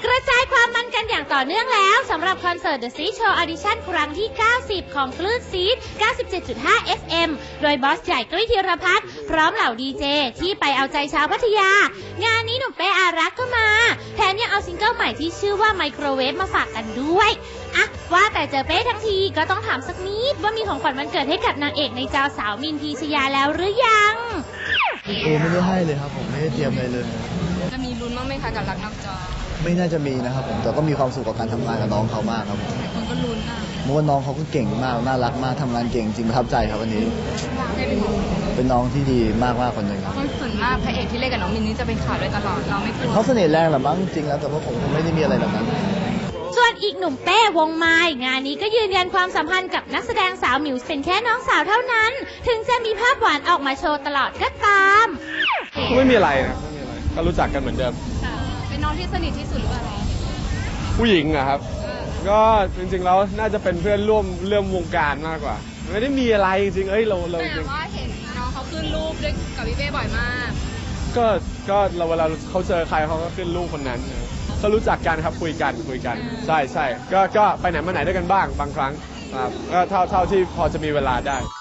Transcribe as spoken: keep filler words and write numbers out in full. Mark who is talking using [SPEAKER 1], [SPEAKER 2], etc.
[SPEAKER 1] ระจายความมันกันอย่างต่อเนื่องแล้วสำหรับคอนเสิร์ต The Seed Show Audition ครั้งที่ เก้าสิบ ของคลื่นซีด เก้าสิบเจ็ดจุดห้า เอฟ เอ็ม โดยบอสใหญ่กุ้ยธีรพัฒน์พร้อมเหล่าดีเจที่ไปเอาใจชาวพัทยางานนี้หนุ่มเป้อารักษ์ก็มาแถมยังเอาซิงเกิลใหม่ที่ชื่อว่าไมโครเวฟมาฝากกันด้วยอะว่าแต่เจอเป้ทั้งทีก็ต้องถามสักนิดว่ามีของขวัญวันเกิดให้กับนางเอกในจอสาวมินพีชยาแล้วหรือยัง
[SPEAKER 2] โอ้ไม่ได้ให้เลยครับผมไม่ได้เตรียมอะไรเลย
[SPEAKER 3] จะมีลุ้นบ้างไหมคะกับรักนอกจอ
[SPEAKER 2] ไม่น่าจะมีนะครับผมแต่ก็มีความสุขกับการทำงานกับน้องเขามากครับผม
[SPEAKER 3] คนก็ลุ้นอ่ะ
[SPEAKER 2] เมื่อวันน้องเขาก็เก่งมากน่ารักมากทำงานเก่งจริงประทับใจครับวันนี้เป็นน้องที่ดีมากมากคนหนึ่งครับ
[SPEAKER 3] ส่วนมากพระเอกที่เล่นกับน้องมินนี่จะเป็นข่าวด้วยตลอดเราไม่กลัว
[SPEAKER 2] เขาเสน่ห์แรงหรือมั้งจริงแล้วแต่ว่าผมไม่ได้มีอะไรแบบนั้น
[SPEAKER 1] ส่วนอีกหนุ่มเป้วงไม้งานนี้ก็ยืนยันความสัมพันธ์กับนักแสดงสาวหมิวเป็นแค่น้องสาวเท่านั้นถึงจะมีภาพหวานออกมาโชว์ตลอดก็ตาม
[SPEAKER 4] ไม่มีอะไรนะไม่มีอะไรก็รู้จักกันเหมือนเดิม
[SPEAKER 3] เป็นน้องที่สนิทที่สุดหรือเปล่า
[SPEAKER 4] ผู้หญิงอะครับก็จริงๆแล้วน่าจะเป็นเพื่อนร่วมเรื่องวงการมากกว่าไม่ได้มีอะไรจริงๆเอ้ยเราเรา
[SPEAKER 3] แต่ว่าเห็นน้องเขาขึ้นรูปด้วยกับพี่เป้บ่อยมาก
[SPEAKER 4] ก็ก็เราเวลาเขาเจอใครเขาก็ขึ้นรูปคนนั้นก็รู้จักกันครับคุยกันคุยกันใช่ใช่ก็ก็ไปไหนมาไหนด้วยกันบ้างบางครั้งครับก็เท่าเท่าที่พอจะมีเวลาได้